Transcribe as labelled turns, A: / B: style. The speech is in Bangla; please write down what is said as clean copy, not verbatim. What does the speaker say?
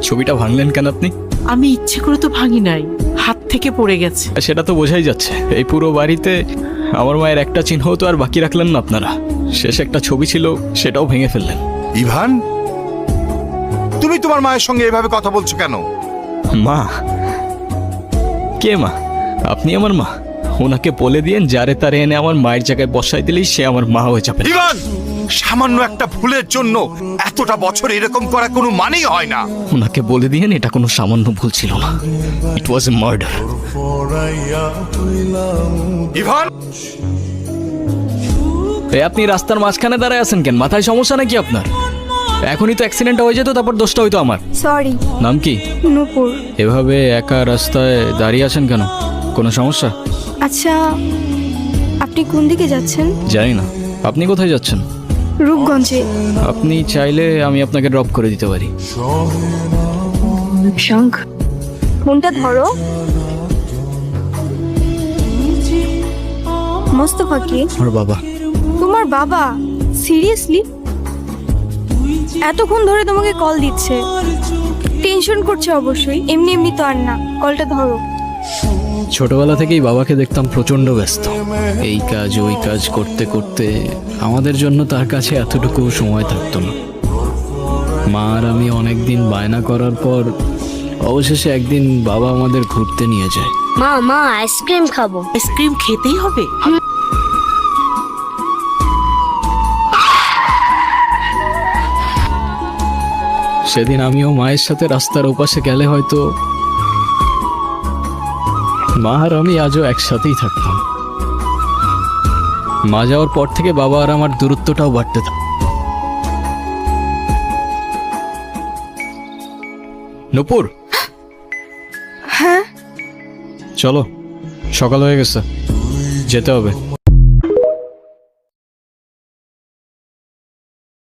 A: ছবিটা ভাঙলেন কেন আপনি?
B: আমি ইচ্ছে করে তো ভাঙি নাই, হাত থেকে পড়ে গেছে।
A: সেটা তো বোঝাই যাচ্ছে। এই পুরো বাড়িতে আমার মায়ের একটা চিহ্ন তো আর বাকি রাখলেন না আপনারা। শেষ একটা ছবি ছিল, সেটাও ভেঙে ফেললেন।
C: ইভান, তুমি তোমার মায়ের সঙ্গে এভাবে কথা বলছো কেন?
A: মা? কে মা? আপনি আমার মা? ওনাকে বলে দিয়েন যারে তারে এনে আমার মায়ের জায়গায় বসাই দিলেই সে আমার মা হয়ে যাবে।
C: ইভান, সামান্য একটা ভুলের জন্য এতটা বছর এরকম করা কোনো মানেই হয় না।
A: ওনাকে বলে দিয়েন এটা কোনো সামান্য ভুল ছিল না। ইট ওয়াজ এ মার্ডার।
C: ইভান,
A: আপনি রাস্তার মাঝখানে দাঁড়ায় আছেন কেন? মাথায় সমস্যা নাকি আপনার? এখনই তো অ্যাক্সিডেন্টটা হয়ে যেত, তারপর দোষটা হইতো আমার।
D: সরি।
A: নাম কি?
D: নূপুর।
A: এভাবে একা রাস্তায় দাঁড়িয়ে আছেন কেন? কোনো সমস্যা?
D: আচ্ছা, আপনি কোন দিকে যাচ্ছেন?
A: জানি না। আপনি কোথায় যাচ্ছেন?
D: রূপগঞ্জে।
A: আপনি চাইলে আমি আপনাকে ড্রপ করে দিতে পারি।
D: শঙ্খ, ফোনটা ধরো। মোস্তফা কে?
A: আমার বাবা।
D: তোমার বাবা? সিরিয়াসলি? এতক্ষণ ধরে তোমাকে কল দিচ্ছে, টেনশন করছে অবশ্যই। এমনি এমনি তো আর না, কলটা ধরো।
A: ছোটবেলা থেকেই বাবাকে দেখতাম প্রচণ্ড ব্যস্ত, এই কাজ ওই কাজ করতে করতে আমাদের জন্য তার কাছে এতটুকু সময় থাকতো না। মা আর আমি অনেকদিন বায়না করার পর অবশেষে একদিন বাবা আমাদের ঘুরতে নিয়ে যায়।
E: মা মা আইসক্রিম খাবো।
B: আইসক্রিম খেতেই হবে?
A: সেদিন আমিও মায়ের সাথে রাস্তার ওপাশে গেলে হয়তো মা আর আমি আজও একসাথেই থাকতাম। মা যাওয়ার পর থেকে বাবা আর আমার দূরত্বটাও বাড়তে থাকে। নূপুর,
D: হ্যাঁ,
A: চলো, সকাল হয়ে গেছে, যেতে হবে।